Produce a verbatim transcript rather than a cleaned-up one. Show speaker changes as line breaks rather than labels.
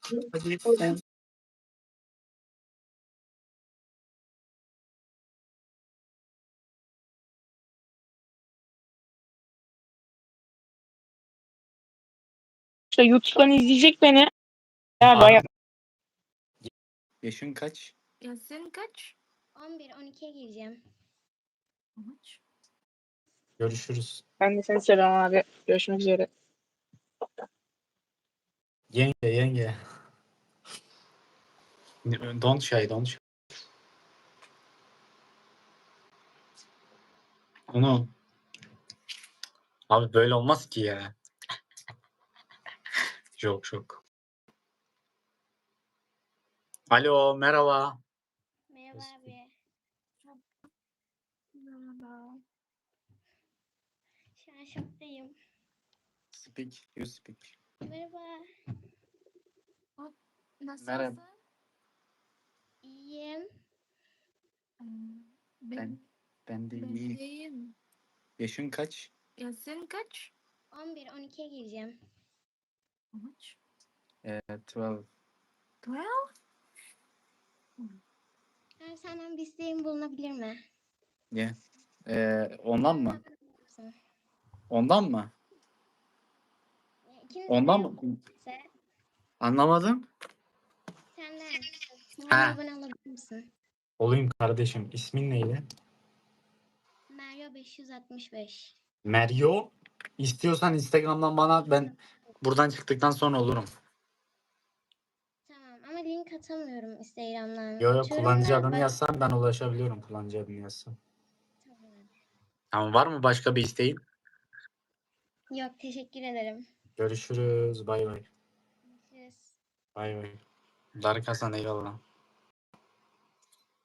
Hadi sen.
İşte YouTube'dan izleyecek beni. Ya
Abi,
bayağı.
yaşın kaç?
Ya senin kaç?
on bir on ikiye gireceğim.
Kaç?
Görüşürüz.
Ben de seni selam abi. Görüşmek üzere.
Yenge yenge. Don't shy, don't shy. Onu abi böyle olmaz ki ya. Çok çok. Alo, merhaba.
Merhaba abi.
Merhaba.
Şu an şoktayım.
Speak, you speak.
Merhaba.
Nasılsın?
Merhaba.
İyiyim.
Hmm,
Ben,
Ben,
ben de
ben
iyi.
iyiyim.
Yaşın kaç?
Ya senin kaç?
on bir on ikiye gireceğim.
Kaç?
Ee, twelve.
Twelve?
Abi senden bir isteğim bulunabilir mi?
Yeah. Ee, ondan mı?
Mısın?
Ondan mı?
Ya İkiniz
Ondan
de
mı?
ise
Anlamadım.
senden.
Ha.
Bana abone olabilir misin?
Olayım kardeşim. İsmin neydi?
Mario beş yüz altmış beş.
Meryo. İstiyorsan Instagram'dan bana, ben buradan çıktıktan sonra olurum.
Tamam ama link atamıyorum Instagram'dan.
Yo yo,
Atıyorum
kullanıcı
da
adını
bak-
yazsan ben ulaşabiliyorum, kullanıcı adını yazsan.
Tamam abi.
Tamam, var mı başka bir isteğin?
Yok teşekkür ederim.
Görüşürüz. Bay bay.
Görüşürüz.
Bay bay. Dark Hasan, eyvallah.